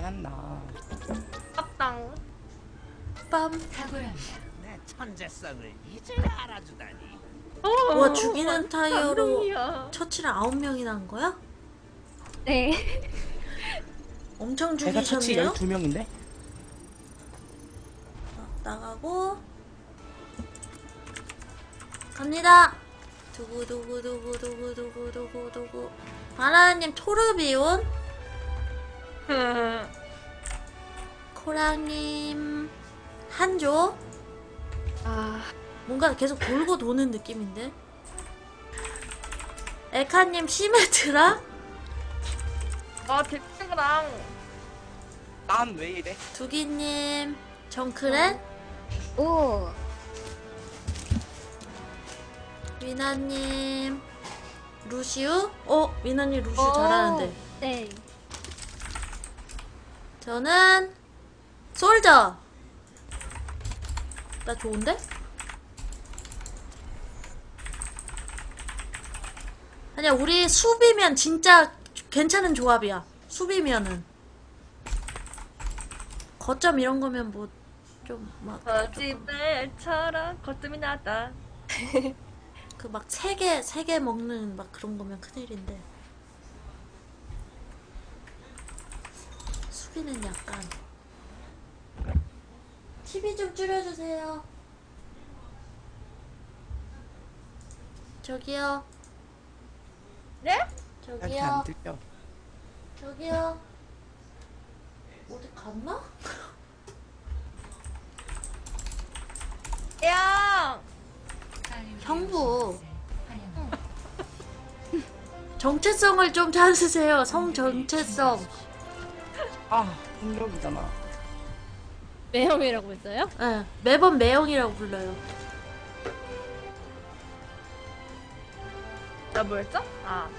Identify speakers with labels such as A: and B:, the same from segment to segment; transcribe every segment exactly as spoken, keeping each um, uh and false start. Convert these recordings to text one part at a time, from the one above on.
A: 않나.
B: 빡당.
C: 빰.
D: 내 천재성을 이제야 알아주다니.
C: 와, 죽이는 타이어로
B: 감동이야.
C: 처치를 아홉 명이나 한 거야?
E: 네.
C: 엄청
A: 제가 처치
C: 죽이셨네요?
A: 열두 명인데?
C: 어, 나가고 갑니다. 두구두구두구두구두구두구두구. 바나나님 토르비온, 코랑님 한조.
E: 아,
C: 뭔가 계속 돌고 도는 느낌인데. 에카님 시메트라,
B: 아 대표랑
A: 난 왜 이래?
C: 두기님 정크렛,
E: 오.
C: 위나님 루시우. 어, 위나님 루시우
E: 오.
C: 잘하는데.
E: 네.
C: 저는 솔저. 나 좋은데? 아니야, 우리 수비면 진짜 괜찮은 조합이야. 수비면은 거점 이런 거면 뭐 좀 막
B: 거짓말처럼 거점이 나다.
C: 그 막 세 개 세 개 먹는 막 그런 거면 큰일인데, 수비는 약간. 티비 좀 줄여주세요. 저기요.
B: 네?
A: 이렇게 안
C: 저기요.
A: 들려.
C: 저기요. 어디 갔나?
B: 야.
C: 형부. 정체성을 좀 찾으세요. 성 정체성.
A: 아, 공격이잖아.
E: 매형이라고 했어요?
C: 네, 매번 매형이라고 불러요.
B: 나 뭐였죠? 아.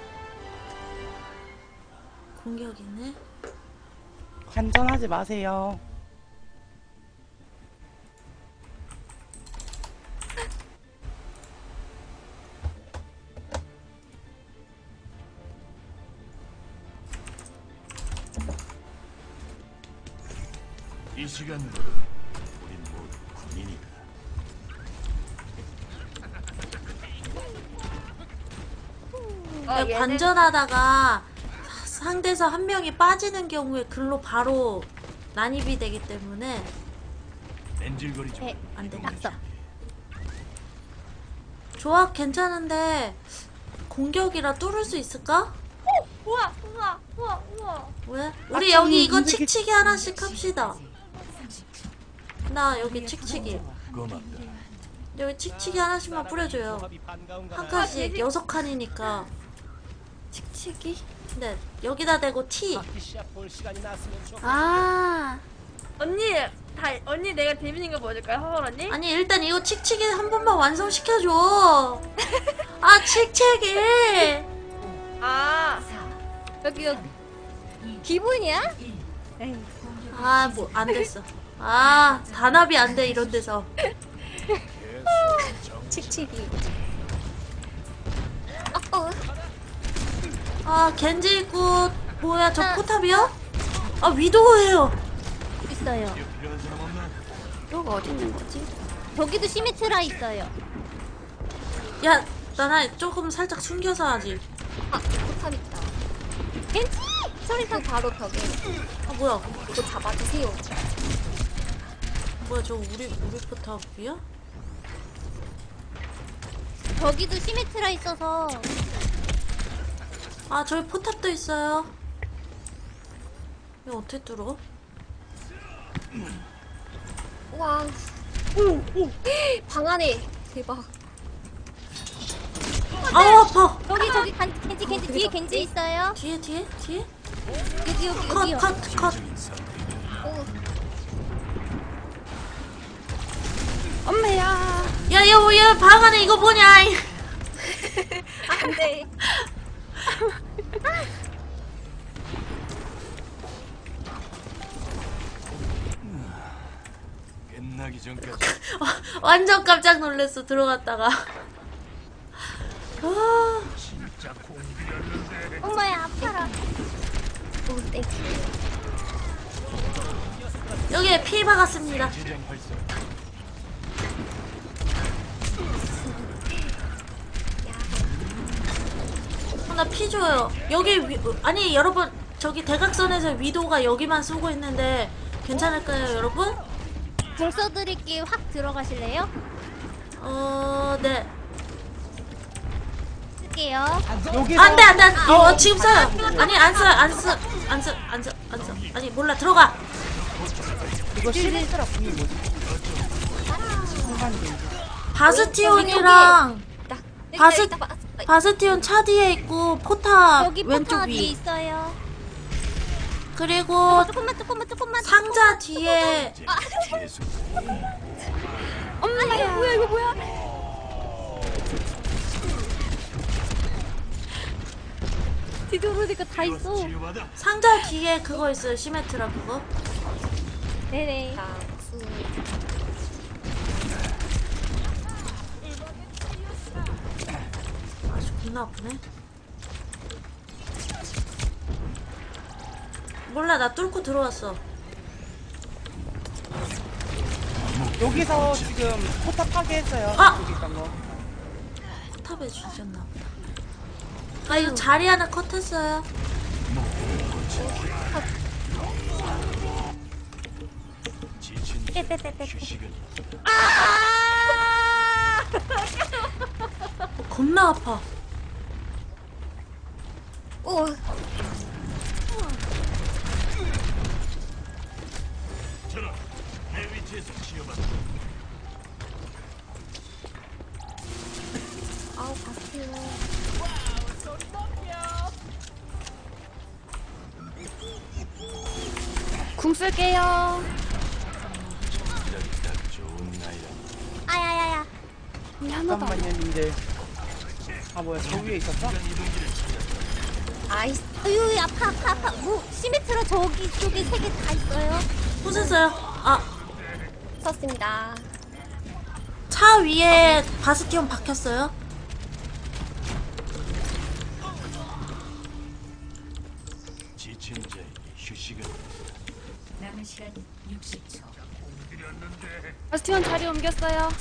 C: 공격이네.
A: 환전하지 마세요.
F: 이 시간으로 우린 모두 군인이다.
B: 어,
C: 네, 관전하다가 상대에서 한 명이 빠지는 경우에 글로 바로 난입이 되기 때문에
F: 뺀질거리지
E: 네,
F: 말고
C: 안 돼.
F: 이동하지.
E: 낙서.
C: 조합 괜찮은데 공격이라 뚫을 수 있을까?
B: 우와 우와 우와 우와.
C: 왜? 우리
A: 아,
C: 여기 이거
A: 이렇게-
C: 칙칙이 하나씩 합시다. 나 여기 칙칙이.
F: 고맙다.
C: 여기 칙칙이 하나씩만 뿌려줘요. 한 칸씩 여섯 칸이니까.
E: 칙칙이?
C: 네, 여기다 대고 T.
E: 아.
B: 언니 다 언니 내가 데뷔인 거 보여줄까요, 허벌 언니?
C: 아니, 일단 이거 칙칙이 한 번만 완성시켜줘. 아, 칙칙이.
B: 아.
E: 여기 여기. 기분이야? 에이.
C: 아, 뭐, 안 됐어. 아, 단합이 안 돼, 이런 데서.
E: 칙칙이. 어, 어.
C: 아, 겐지 있고, 뭐야, 저 포탑이야? 아, 위도우예요.
E: 있어요.
F: 필요한 사람 없나?
E: 여기 어디 있는 거지? 저기도 시메트라 있어요.
C: 야, 나나 조금 살짝 숨겨서 하지.
E: 아, 포탑 있다. 겐지! 소리가 바로 벽에.
C: 아, 뭐야.
E: 이거 잡아주세요.
C: 뭐야, 저 우리, 우리 포탑이야?
E: 저기도 시메트라 있어서.
C: 아, 저기 포탑도 있어요. 이거 어떻게 뚫어?
E: 와. 오, 오. 방 안에. 대박.
C: 아우, 아파.
E: 여기 저기 간, 겐지 겐지 뒤에 겐지 있어요.
C: 뒤에, 뒤에, 뒤에?
E: 여기 여기
C: 컷,
E: 여기요.
C: 컷, 컷.
F: 적인 상태이다.
E: 오.
B: 엄마야.
C: 야, 야, 뭐, 야, 방 안에 이거 뭐냐?
E: 안돼.
F: 끝나기 전까지
C: 완전 깜짝 놀랐어, 들어갔다가. 아,
F: 진짜 공기였는데.
E: 엄마야 아파라. 오 땡큐.
C: 여기에 피 박았습니다.
F: 지정 활성.
C: 어, 나 피 줘요. 여기 위, 아니 여러분 저기 대각선에서 위도가 여기만 쏘고 있는데 괜찮을까요 여러분?
E: 불 써드릴게요. 확 들어가실래요?
C: 어, 네.
E: 쓸게요.
A: 여기서
C: 안돼 안돼 안돼. 어, 어 지금 써요. 아니 안 써, 안 써, 안 써, 안 써, 안 써. 아니 몰라 들어가.
A: 이거 시리즈라 분이 뭐지? 순간이
C: 바스티온이랑
E: 나
C: 바스-
E: 여기 있다, 봐.
C: 바스티온 차 뒤에 있고 포탑
E: 여기
C: 왼쪽
E: 포탑 뒤에
C: 위.
E: 있어요.
C: 그리고
E: 조금만 조금만 조금만.
C: 상자 뒤에
F: 계속
E: 엄마 이거 뭐야 이거 뭐야? 뒤돌아보니까 다 있어.
F: 치유받아.
C: 상자 뒤에 그거 있어요. 시메트라 그거.
E: 네네. 장수.
C: 아주 겁나 아프네. 몰라 나 뚫고 들어왔어.
A: 여기서 지금 포탑 파괴했어요.
C: 아!
A: 여기 있던 거.
C: 포탑에 주셨나 보다. 아 이거 자리 하나 컷했어요.
F: 지친
E: 떼떼떼떼.
F: 휴식은
C: 어, 겁나 아파.
E: 오.
F: 저런 내 위치에서 치유받아.
E: 아우 바스티온. 궁 쓸게요.
F: 이러기 딱 좋은 나이라.
E: 아야야야.
A: 잠깐만요, 님들. 아 뭐야, 저 위에 있었어?
E: 아이스. 아유 아파 아파 아파. 뭐 시메트라 저기 쪽에 세 개 다 있어요.
C: 부쉈어요. 아,
E: 썼습니다.
C: 차 위에 바스티온 박혔어요.
F: 지친 자에게 휴식은
G: 남은 시간 육십 초.
H: 바스티온 자리 옮겼어요.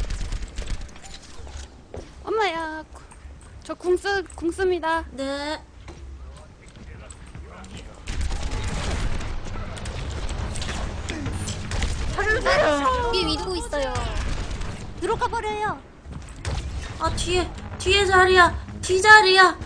H: 엄마야, 저 궁쓰 궁씁니다.
C: 네.
E: 뒤에 위도 있어요. 들어가 버려요.
C: 아 뒤에 뒤에 자리야. 뒤 자리야.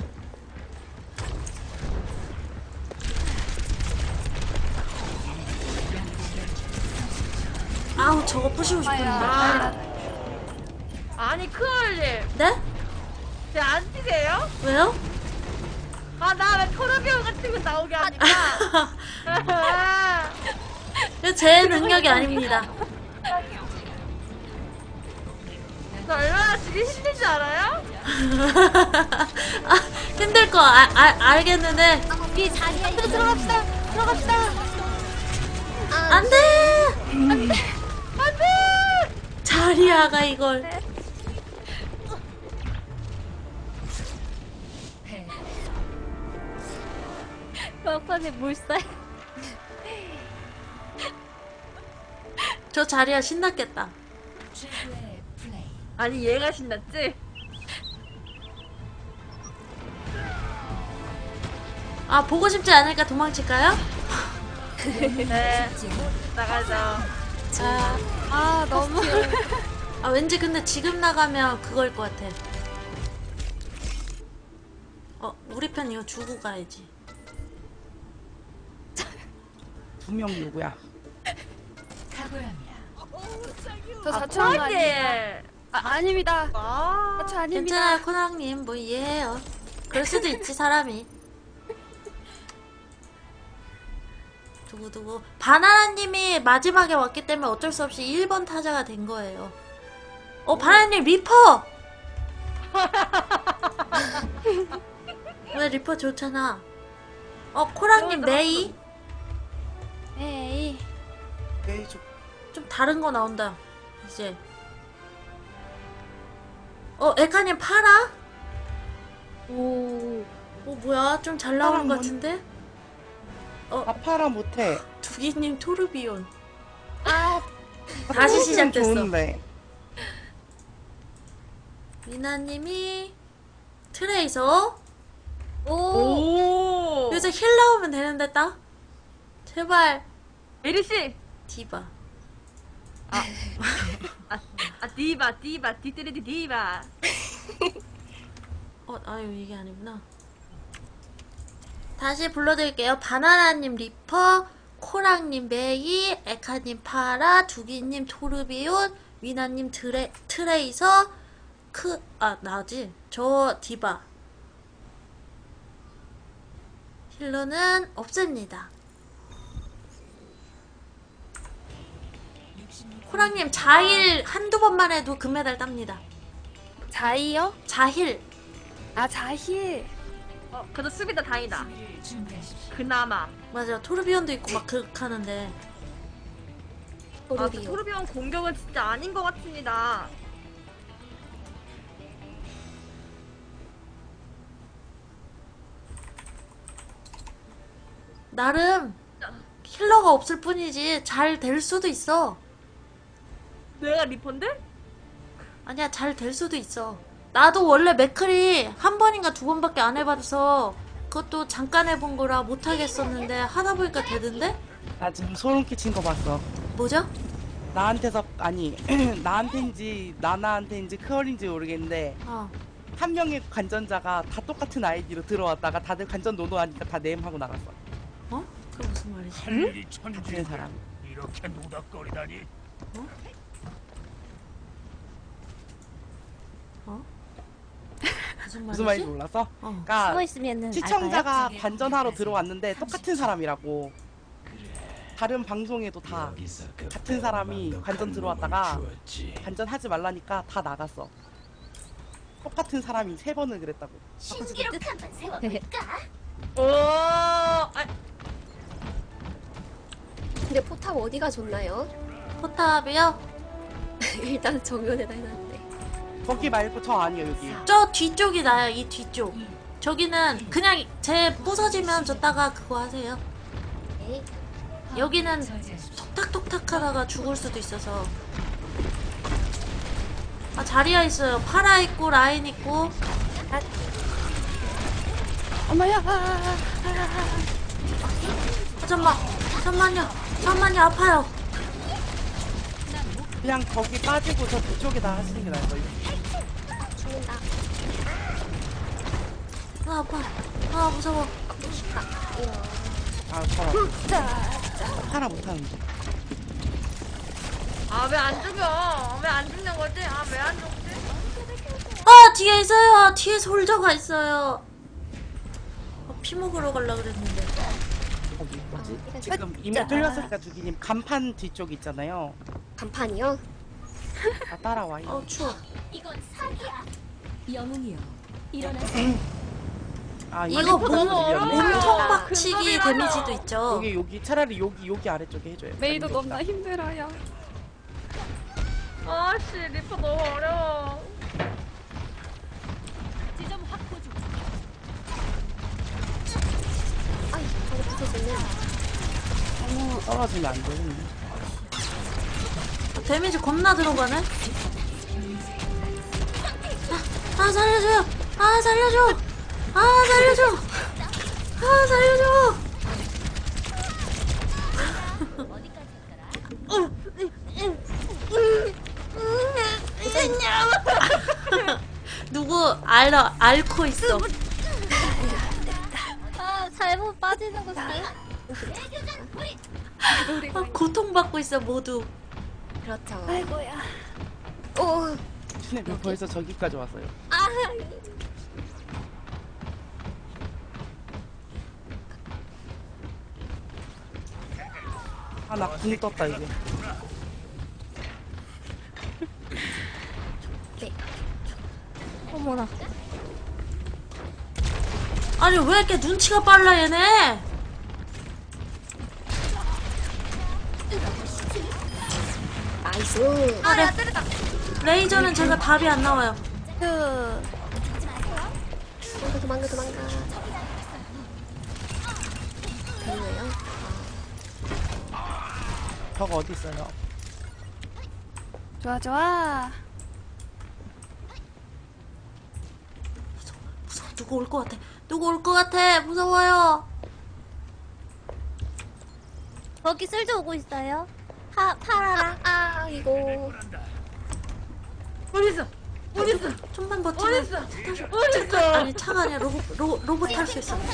C: 아우 저거 부시고 싶은데.
B: 아. 아니 크얼님
C: 네?
B: 쟤안 뛰세요?
C: 왜요?
B: 아 나 왜 토르비온 같은 거 나오게 하니까
C: 이거 제 능력이 아닙니다.
B: 저 얼마나 지기 힘든 줄 알아요?
C: 아, 힘들 거 아, 아, 알겠는데
E: 뒤에 자리야. 들어 들어갑시다. 들어갑시다. 아,
C: 안돼.
B: 안돼
C: 자리야가 이걸.
E: 막판에 물살.
C: 저 자리야 신났겠다.
G: 최고의 플레이.
B: 아니 얘가 신났지?
C: 아 보고 싶지 않으니까 도망칠까요?
B: 네 나가죠.
C: 아,
H: 아 너무
C: 아 왠지 근데 지금 나가면 그거일 것 같아. 어 우리 편 이거 주고 가야지.
A: 분명 누구야?
G: 각오합니다.
H: 저
B: 아
H: 사초 아닙니다.
B: 코알님
H: 아 아닙니다.
B: 아
H: 사초 아닙니다.
C: 괜찮아요 코낭님 뭐 이해해요. 그럴 수도 있지 사람이. 두구두구 바나나님이 마지막에 왔기 때문에 어쩔 수 없이 일 번 타자가 된 거예요. 어 바나나님 리퍼! 왜 리퍼 좋잖아. 어 코랑님 메이?
H: 에이.
A: 네, 저
C: 좀 다른 거 나온다 이제. 어 에카님 파라?
A: 오,
C: 어 뭐야 좀 잘 나오는 것
A: 파라
C: 같은데?
A: 아파라 못해.
C: 두기님 토르비온.
E: 아,
C: 다시
A: 좀
C: 시작됐어.
A: 좋은데.
C: 미나님이 트레이서.
E: 오.
B: 오.
C: 여기서 힐 나오면 되는데 딱. 제발.
B: 메리씨.
C: 디바.
B: 아, 아 디바 디바 디트레디 디바.
C: 어, 아유 이게 아니구나. 다시 불러드릴게요. 바나나님 리퍼, 코랑님 메이, 에카님 파라, 두기님 토르비온, 위나님 트레, 트레이서, 크, 아 나지? 저 디바. 힐러는 없습니다. 코랑님 자힐 한두 번만 해도 금메달 tab니다.
H: 자이요?
C: 자힐.
H: 아 자힐.
B: 어 그래도 수비다 다행이다.
G: 수비를 준비하십시오.
B: 그나마.
C: 맞아, 토르비온도 있고 막 그렇게 하는데.
B: 아
E: 토르비오.
B: 토르비온 공격은 진짜 아닌 것 같습니다.
C: 나름 힐러가 없을 뿐이지 잘 될 수도 있어.
B: 내가 리펀데?
C: 아니야, 잘 될 수도 있어. 나도 원래 맥클이 한 번인가 두 번밖에 안 해봐서 그것도 잠깐 해본 거라 못하겠었는데 하다 보니까 되던데?
A: 나 지금 소름 끼친 거 봤어.
C: 뭐죠?
A: 나한테서 아니 나한테인지 나나한테인지 크얼인지 모르겠는데
C: 어.
A: 한 명의 관전자가 다 똑같은 아이디로 들어왔다가 다들 관전 노노하니까 다 네임하고 나갔어.
C: 어? 그게 무슨 말이지?
F: 할일이
A: 같은
F: 천지
A: 사람.
F: 이렇게 노닥거리다니.
C: 어? 무슨 말이지?
A: 무슨 말인지 몰랐어?
C: 어.
A: 그러니까
E: 숨어 있으면은
A: 시청자가 관전하러 들어왔는데 똑같은 사람이라고. 다른 방송에도 다 같은 사람이 관전 들어왔다가 관전하지 말라니까 다 나갔어. 똑같은 사람이 세 번을 그랬다고.
B: 오. 아,
E: 근데 포탑 어디가 좋나요?
C: 포탑이요?
E: 일단 정면에다 해놨는데.
A: 거기 말고 저 아니에요 여기.
C: 저 뒤쪽이 나요, 이 뒤쪽. 저기는 그냥 제 부서지면 줬다가 그거 하세요.
E: 네.
C: 여기는
G: 저지하십시오.
C: 톡탁톡탁 하다가 죽을 수도 있어서. 아, 자리야 있어요. 파라 있고 라인 있고.
H: 엄마야. 아, 아, 아, 아.
C: 아, 잠만 잠만요 잠만요, 아파요.
A: 그냥 거기 빠지고 저 뒤쪽에다 하시는 게 나을 거예요.
E: 죽는다.
C: 아, 아파. 아, 무서워.
E: 이런.
A: 아 파라. 파라 못하는데.
B: 아 왜 안 죽여? 왜 안 죽는 거지? 아 왜 안 죽지?
C: 아, 뒤에 있어요. 뒤에 솔저가 있어요. 아, 피 먹으러 가려 그랬는데.
A: 거기 뭐지?
E: 아,
A: 지금 이미 뚫렸으니까 두기님 간판 뒤쪽 있잖아요.
E: 간판이요?
A: 다 따라와요.
C: 어, 추워.
G: 영웅이여
A: 아
C: 이거
A: 이거
C: 몸,
A: 들렸네.
C: 몸통
B: 아,
C: 박치기
B: 근접이라뇨.
C: 데미지도 있죠.
A: 여기 여기 차라리 여기 여기 아래쪽에 해줘요.
H: 메이도
A: 아니,
H: 너무나
A: 여기다.
H: 힘들어요.
B: 아씨 리퍼 너무 어려워.
E: 아이, 저거 붙어지네.
A: 너무 떨어지면 안 되는데.
C: 데미지 겁나 들어가네. 아, 아, 살려줘요. 아, 살려줘. 아, 살려줘. 아, 살려줘. 누구 알아 앓고 있어.
E: 아, 잘못 빠지는 거 잘.
C: 아, 고통받고 있어 모두.
E: 그렇죠.
H: 아이고야.
E: 오,
A: 근데 왜 벌써 저기까지 왔어요?
E: 아,
A: 아 나 궁 떴다 이제.
E: 네.
H: 어머나.
C: 아니 왜 이렇게 눈치가 빨라 얘네.
E: 나이스.
C: 아, 네. 레이저는 제가 답이 안 나와요.
H: 그
E: 도망가, 도망가, 도망가. 됐네요.
A: 저거 어디 있어요?
H: 좋아 좋아.
C: 무서워. 누구 올 것 같아. 누구 올 것 같아. 무서워요.
E: 거기 쓸져 오고 있어요. 파 파라라. 아, 이거.
B: 어딨어? 어딨어?
C: 좀만 버티면
B: 어딨어?
C: 탈 수-
B: 어딨어?
C: 아니 차가 아니라 로봇 로, 로봇 탈 수 있어.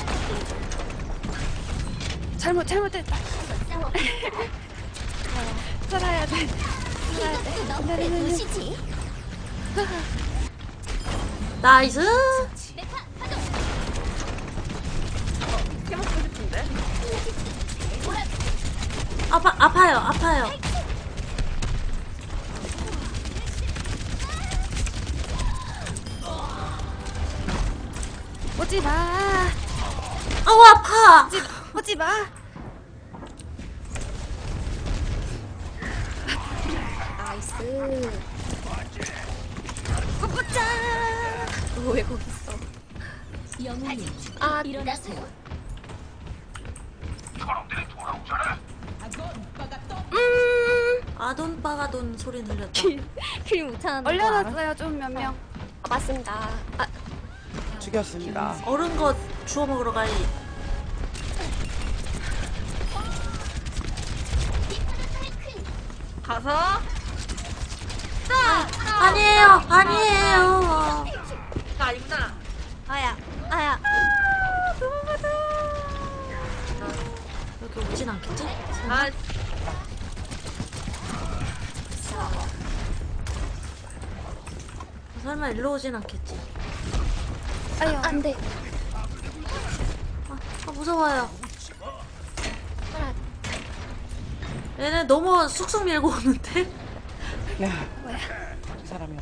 H: 잘못 잘못됐다. 살아야 돼. 살아야 돼. 기다리는 중.
C: 나이스.
B: 해먹고 싶은데?
C: 아파 아파요 아파요.
H: 오지 마.
C: 아우 아파.
H: 오지 마.
E: 나이스. 꼬꼬짜. 어, 왜 거기 있어?
G: 영웅님
E: 아,
G: 일어나세요.
C: 아돈빠가돈 소리 들렸다.
E: 킬 못하는 거 알아?
H: 얼려놨어요 좀 몇 명.
E: 아, 맞습니다. 아,
A: 죽였습니다.
C: 얼은 거 주워 먹으러 가야지.
B: 가서
C: 아니에요 아니에요.
B: 나 아니구나.
E: 아야, 아야.
C: 여기 오진 않겠지?
B: 아,
C: 설마 일로 오진 않겠지?
H: 아유.
E: 안 돼.
C: 아, 아 무서워요.
E: 파라.
C: 얘네 너무 쑥쑥 밀고 오는데?
A: 야, 이 사람이었어.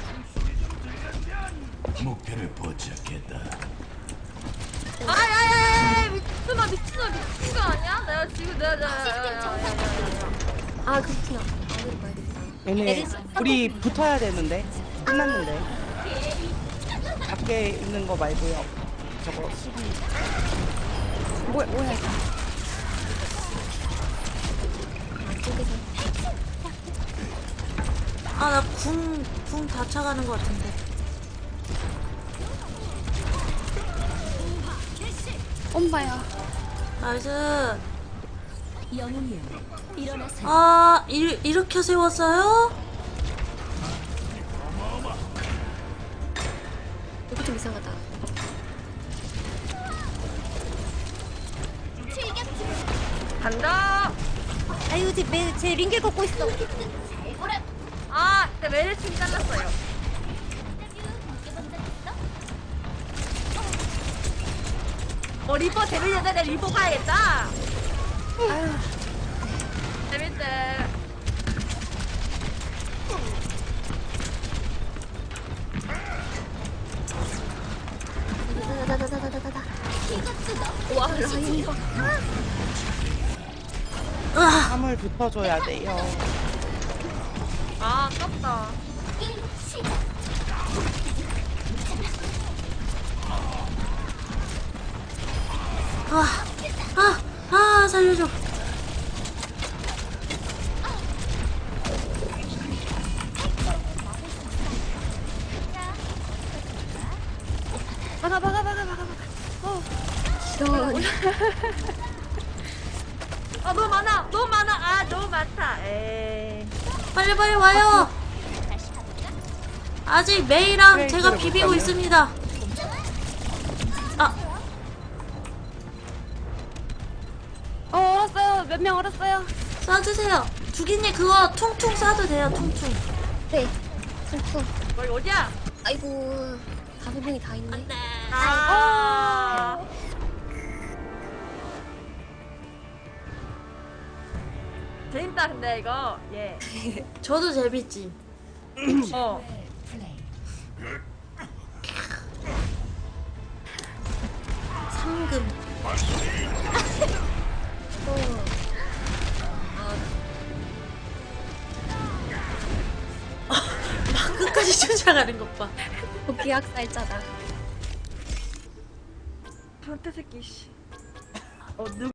F: 목표를 포착했다.
B: 아야야야 미친놈아 미친놈아 미친 거 아니야? 내가 지금 내가 내가
E: 아, 그렇구나. 어디로 가야겠다.
A: 얘네
E: 에리스
A: 우리 붙어야 되는데 끝났는데 밖에 있는 거 말고요. 저거 수비
H: 뭐야 뭐야 이거.
C: 아 나 궁 궁 다 차가는 것 같은데.
H: 엄마야.
C: 나이스.
G: 영웅님 일어나세요.
C: 아 이, 이렇게 세웠어요?
E: 여기 좀 이상하다.
B: 간다.
E: 아유, 제, 매, 제 링겔 걷고 있어.
B: 아, 내 메르신 잘랐어요. 어 리퍼 재밌는데 내 리퍼 가야겠다.
H: 아유.
B: 재밌대.
E: 다다다다다다다다. 와, 라인 봐.
C: 으아.
A: 함을 붙어줘야 돼요.
B: 아 아깝다.
C: 아, 아, 아, 살려줘.
H: 막아 막아 막아 막아 막아. 어.
E: 이런.
B: 아 너무 많아 너무 많아 아 너무 많다. 에이.
C: 빨리 빨리 와요. 아직 메이랑
A: 메이
C: 제가
A: 못
C: 비비고
A: 가네요.
C: 있습니다. 아,
H: 어 얼었어요. 몇 명 얼었어요.
C: 쏴주세요. 두기님 그거 퉁퉁 쏴도 돼요. 퉁퉁.
E: 네. 퉁퉁.
B: 거기 어디야?
E: 아이고. 다섯 명이 다 있네.
B: 아. 재밌다 근데 이거 예.
C: 저도 재밌지.
B: 어.
G: 플레이.
C: 상금. 막 끝까지 쫓아가는 것 봐.
E: 기약살자다.
B: 변태 새끼 씨. 어 누.